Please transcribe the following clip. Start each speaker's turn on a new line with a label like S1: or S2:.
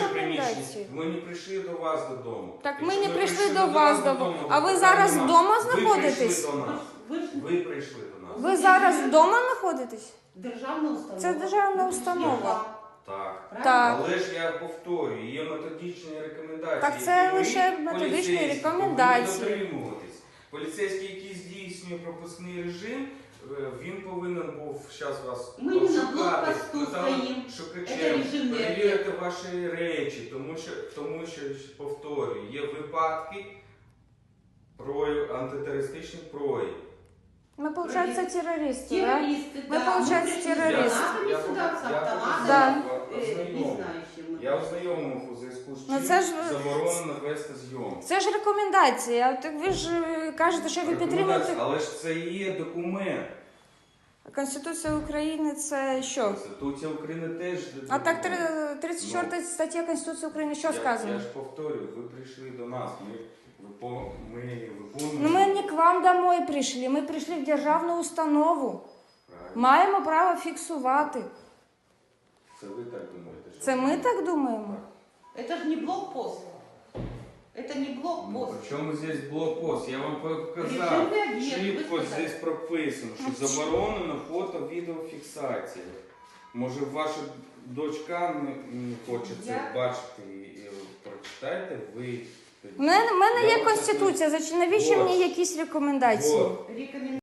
S1: рекомендації.
S2: Ми не прийшли до вас додому.
S1: Так
S2: Якщо
S1: ми не прийшли до
S2: вас
S1: вас додому. А ви зараз вдома знаходитесь?
S2: Ви прийшли до нас.
S1: Ви зараз вдома знаходитесь?
S3: Державна установа.
S1: Це державна установа.
S2: Так.
S1: Так.
S2: Але ж я повторюю, є методичні рекомендації.
S1: Так це
S2: і ви,
S1: лише методичні
S2: поліцейські,
S1: рекомендації.
S2: повинні дотримуватись. Поліцейський, який здійснює пропускний режим, він повинен був зараз вас
S3: Ми не на
S2: обшукати,
S3: блокпосту стоїмо. Це
S2: шукачем,
S3: режимний
S2: перевірити ваші речі, тому що, повторюю, є випадки антитерористичних проявів.
S1: Ми, виходить, терористи, да?
S3: Террористы,
S1: Мы,
S3: да.
S1: получается,
S3: пришли с
S1: террористы.
S3: гранатами сюда, с автоматами,
S1: Да.
S3: не знающим.
S2: Я ознайомив у зв'язку з
S1: Ну,
S2: чим
S1: це ж-
S2: заборонено вести зйомку.
S1: Це ж рекомендація. Так ви ж кажете, що ви підтримуєте.
S2: Але ж це і є документ.
S1: Конституція України це що?
S2: Конституція України теж
S1: А так
S2: документ.
S1: 34 стаття Конституції України що
S2: Я
S1: сказано?
S2: ж повторюю, ви прийшли до нас, ми виконуємо.
S1: Ну ми не к вам домой прийшли, ми прийшли в державну установу.
S2: Правильно.
S1: Маємо право фіксувати.
S2: Це ви так думаєте? Що
S1: Це ми так думаємо?
S3: Это же не блокпост. Это не
S2: Ну,
S3: блокпост.
S2: при чому здесь блокпост? Я вам показав.
S3: Режимний об'єкт,
S2: Шрифт
S3: ви
S2: ось
S3: сказали.
S2: здесь прописано, що заборонено фото-відеофіксація. Може, ваша дочка не хоче це
S3: Я-
S2: бачити і прочитайте ви.
S1: У мене
S2: Я
S1: є
S2: вам
S1: Конституція, навіщо
S2: Вот.
S1: мені якісь рекомендації?
S2: Вот.
S3: Рекомендую.